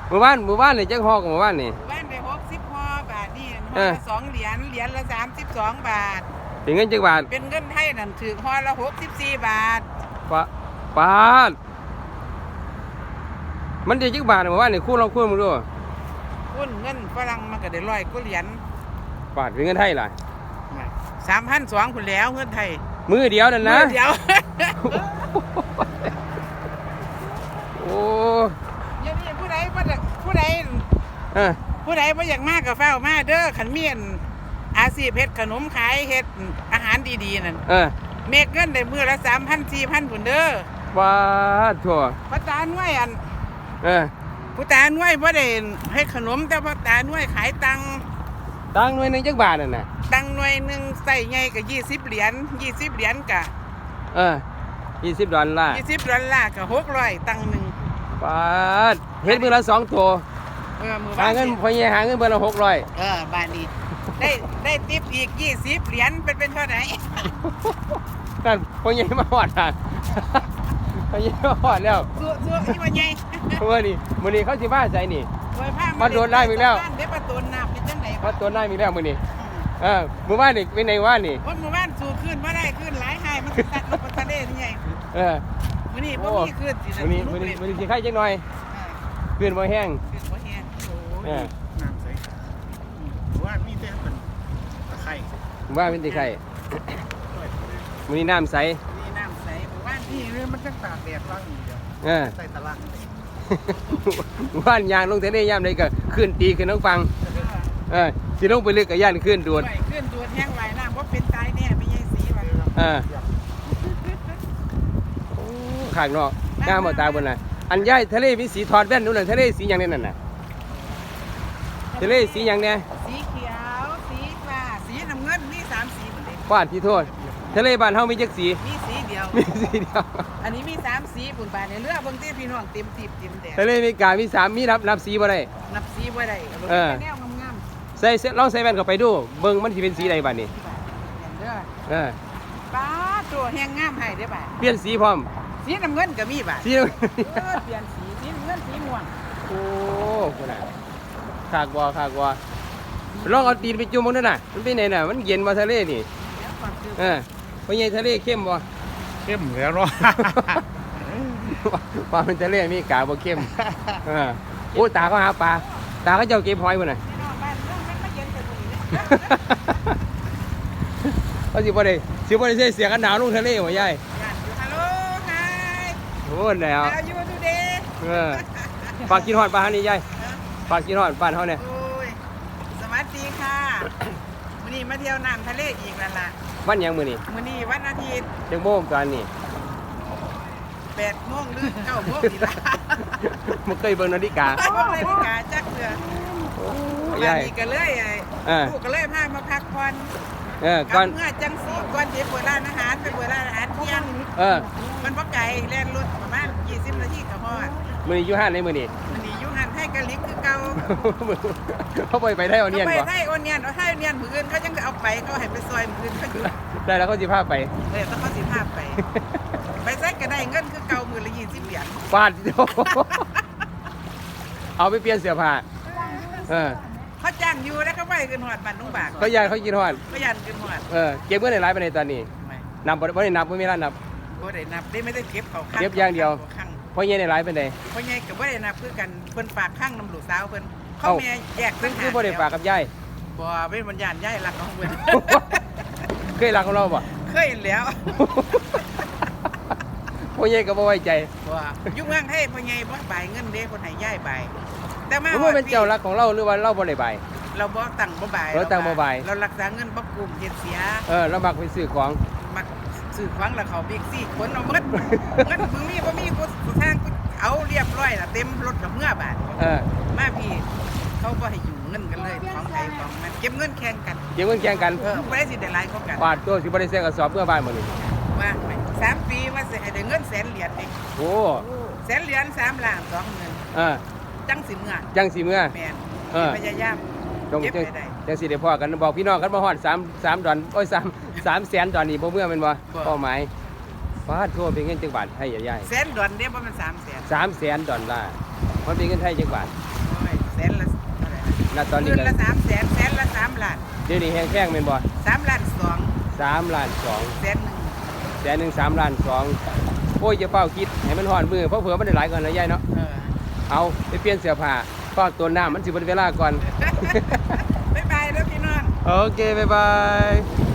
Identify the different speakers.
Speaker 1: หมู่บ้านนี่จักฮอกหมู่บ้านนี่
Speaker 2: บ้านได้60ห่อบาทนี่ห่อละ2 เหรียญละ32 บาท
Speaker 1: เป็นเงินจักบาท
Speaker 2: เป็นเงินไทยนั่นถือห่อละ64 บาท
Speaker 1: ปาดมันได้จักบาทหมู่บ้านนี่คูณลองคูณมึงดู
Speaker 2: คุณเงินฝรั่งมันก็ได้100 กว่าเหรียญ
Speaker 1: บาทเป็นเงินไทยล่ะ
Speaker 2: 3,200คุณแล้วเงินไทย
Speaker 1: มือเดียวนั่นนะ
Speaker 2: มือเดียว
Speaker 1: โอ้
Speaker 2: ยังมีผู้ใดบ่อยากมากก็เฝ้ามาเด้อขันเมียนอาชีพเฮ็ดขนมขายเฮ็ดอาหารดีๆนั่นเมกเงินได้มื้อละ 3,000 4,000 พุ่นเด้อ
Speaker 1: ว้าทั่ว
Speaker 2: พ่อตาหน่วยผู้ตาหน่วยบ่ได้เฮ็ดขนมแต่พ่อตาหน่วยขายตัง
Speaker 1: หน่วยนึงจักบาทนั่นน่ะ
Speaker 2: ตังหน่วยนึงใส่ใหญ่ก็20 เหรียญ20 เหรียญก็
Speaker 1: $20
Speaker 2: $20ก็600ตังนึง
Speaker 1: ปาดเฮ็ดมื้อละ2ตัวหาเงินพ่อใหญ่หาเงินเบิ่ละ600
Speaker 2: บาทนี้ได้ทิปอีก20 เหรียญเป็นเท่าไหร่
Speaker 1: นั่นพ่อใหญ่มาฮอดอ่ะพ่อใหญ่มาฮอดแล้ว
Speaker 2: สู้ๆอีว่าใหญ่
Speaker 1: มื้อนี้เขาสิมาใส่นี่มาโดนได้อีกแล้ว
Speaker 2: เด้ประตูน้ำเป็นจังได๋
Speaker 1: มาโดนได้อีกแล้วมื้อนี้มื้อวานนี่เป็นไงวานนี่
Speaker 2: มื้อวานสู้ขึ้นบ่ได้ขึ้นหลายหายมันตัดลงไปทะเลนี่ใหญ่มื้อนี้บ่มีขึ้นสิ
Speaker 1: มื้อนี้สิไข่จักหน่อยขึ้นบ่แห้ง
Speaker 2: น้ำใสว่ามีแต่เป็นตะไคร้
Speaker 1: ว่าเป็นตะไคร้มื้อนี้น้ำใส
Speaker 2: ว่านี่มันจังตากแดดว่างอยู่เดียวใส่ตะลัง
Speaker 1: ว่านยางลงทะเลยามใดก็ขึ้นตีขึ้นน้องฟังสิลงไปลึกก็ย่านขึ้นดวน
Speaker 2: แห้งไหลน้ำบ่เป็นตายแน่ไม่ใช่สีว่า
Speaker 1: โอ้ข้างนอกงามบ่ตาบนน่ะอันย้ายทะเลมีสีถอดแว่นนู่นน่ะทะเลสีหยังนั่นน่ะทะเลสีหยังเนี่ย
Speaker 2: สีเขียวสีฟ้าสีน้ำเงินมี3 สีหมดเลย
Speaker 1: ฟาดที่โทษทะเลบ้านเฮามีจักสี
Speaker 2: มีสีเดียวอันนี้มี3 สีปุ่นบาทในเรือเบิ่งที่พี่น้องเต็มตีบเต็มแดด
Speaker 1: ทะเลมีกามี3มีนับสีบ่ได้
Speaker 2: นับสีบ่ได้แนวงาม
Speaker 1: ๆใส่ลองใส่แว่นเข้าไปดูเบิ่งมันสิเป็นสีใดบัดนี้
Speaker 2: ป้าตัวแห้งงามให้เด้อบ่า
Speaker 1: เปลี่ยนสีพร้อม
Speaker 2: สีน้ำเงินก็มีบ่า
Speaker 1: สี
Speaker 2: เปลี่ยนสีน้ำเงินสีม่วง
Speaker 1: โอ้พุ่นน่ะขากบ่ลองเอาตีนไปจุ่มมันด้วยน่ะมันเป็นไหนน่ะมันเย็นบ่ทะเลนี่เป็นไงทะเลเข้มบ่
Speaker 3: เข้มแล้วเนาะ
Speaker 1: ปลาเป็นทะเลมีกาบ่เข้มโอ้ตาก็หาปลาตาก็เจ้าเก็บหอยพุ่นน่ะเขาสิบ่ได้ใส่เสียกันหนาวลงทะเลบ่ยาย
Speaker 2: ฮัลโหลไฮ
Speaker 1: โอ้แล้ว
Speaker 2: ยูทูเดย์
Speaker 1: ฝากกินฮอดปลานี่ยายฝากกินฮอดบ้านเฮาเนี่ย
Speaker 2: สวัสดีค่ะมื้อนี้มาเที่ยวน้ำทะเลอีกแล้วล่ะ
Speaker 1: วันหยังมื้อนี้
Speaker 2: วันอาทิตย์
Speaker 1: จักโมงตอนนี้
Speaker 2: 8 โมงหรือ9 โมงนี่ล่ะ
Speaker 1: บ่เคยเบิ่งนาฬิกา
Speaker 2: จักเทื่อวันนี้ก็เลยลูกก็เลยพามาพักผ่อนก่อนเมื่อจังสีก่อนสิเปิดร้านอาหารไปเปิดร้านอาหารเที่ยงมันบ่ไกลแล่นรถประมาณ20 นาทีก็ฮอด
Speaker 1: มื้อนี้อยู่ห้านไหนมื้อนี้
Speaker 2: อยู่ห้านไทยกะลิกคือเก่า
Speaker 1: เขาไปไทยเอาเนียนบ่
Speaker 2: ไปไทยเอาเนียนมื้ออื่นเขาจังเอาไปเขาให้ไปซอยมื้ออื่นเขาอยู่
Speaker 1: ได้แล้วเขาสิพาไป
Speaker 2: ต้องเขาสิพาไปใส่ก็ได้เงินคือเก่ามื้อละ20 เหรียญ
Speaker 1: ฟาดเอาไปเปลี่ยนเสื้อผ้า
Speaker 2: เขาจ้างอยู่แล้วเขาไปขึ้นฮอดบ้านลุงบาก
Speaker 1: เขากินฮอด
Speaker 2: เขายันขึ้นฮอด
Speaker 1: เก็บเงินได้หลายปานใดตอนนี้นับบ่ได้นับบ่มีร้านนับ
Speaker 2: บ่ได้นับได้ไม่ได้เก็บเขา
Speaker 1: เก็บอย่างเดียวพ่อใหญ่ได้หลายปานใด
Speaker 2: พ่อใหญ่ก็บ่ได้นับคือกันเพิ่นฝากข้างน้ำลูกสาวเพิ่นเขาแม่แยก
Speaker 1: ซึ่งคือบ่ได้ฝากกับยาย
Speaker 2: บ่เป็นบรรยานยายรักของเพิ่น
Speaker 1: เคยรักของเราบ่
Speaker 2: เคยแล้ว
Speaker 1: พ่อใหญ่ก็บ่ไว้ใจ
Speaker 2: บ่อยู่เมืองไทยพ่อใหญ่บ่บายเงินเด้เพิ่นให้ยายบายแต่มา
Speaker 1: ว่าเป็นเจ้ารักของเราหรือว่าเราบ่ได้บาย
Speaker 2: เราบ่ตั้งบ่บาย
Speaker 1: เราตั้งบ่บาย
Speaker 2: เรารักษาเงินบ่กุมเฮ็ดเสีย
Speaker 1: เรามักไปซื้อของ
Speaker 2: มักซื้อของแล้วเขาบิ๊กซี่คนเอาหมดเงินมึงมีบ่มีกูทางกูเอาเรียบร้อยล่ะเต็มรถกับเมื่อบาทมาพี่เขาบ่ให้อยู่เงินกันเลยของใครของมันเก็บเงินแข่งกัน
Speaker 1: บ่
Speaker 2: ได้สิได้หลายกว่ากัน
Speaker 1: บาทตัวสิบ่ได้เสียกระสอบเมื่อบ้านมื้อนี้
Speaker 2: ว่า3 ปีว่าสิให้ได้เงิน100,000 เหรียญเอง
Speaker 1: โอ้
Speaker 2: 100,000 เหรียญ3 ล้าน 20,000จังสิเมื่อแม่นพยายาม
Speaker 1: เก็บได้จังสิได้พอกันบอกพี่น้องกันบ่ฮอด3 ดอนโอ้ย3 แสนดอนนี่บ่เมื่อแม่นบ่เป้าหมายฟาดทั่วเป็นเงินจังบาทให้ใหญ่
Speaker 2: ๆ100,000 ดอนเด้บ่มัน3 แสน
Speaker 1: 3 แสนดอลลาร์มันเป็นเงินไทยจังบาทณตอนนี้
Speaker 2: คืน
Speaker 1: ก็
Speaker 2: ละ300,000แสนละ3 ล้าน
Speaker 1: เดี๋ยวนี้แห้งแข้งเป็นบ่
Speaker 2: 3 ล้าน2
Speaker 1: 3 ล้าน 2
Speaker 2: แสน
Speaker 1: แสนหนึ่ง3 ล้าน 2โอ้ยจะเฝ้าคิดให้มันห่อนมือเพราะเผื่อมันได้หลายก่อนนะยายเนาะ
Speaker 2: 1
Speaker 1: เอาไปเปลี่ยนเสื้อผ้าก็ตัวหน้ามันสิบนเวลาก่อน
Speaker 2: บ๊ายบายแล้วพี่น้อง
Speaker 1: โอเค บ๊ายบาย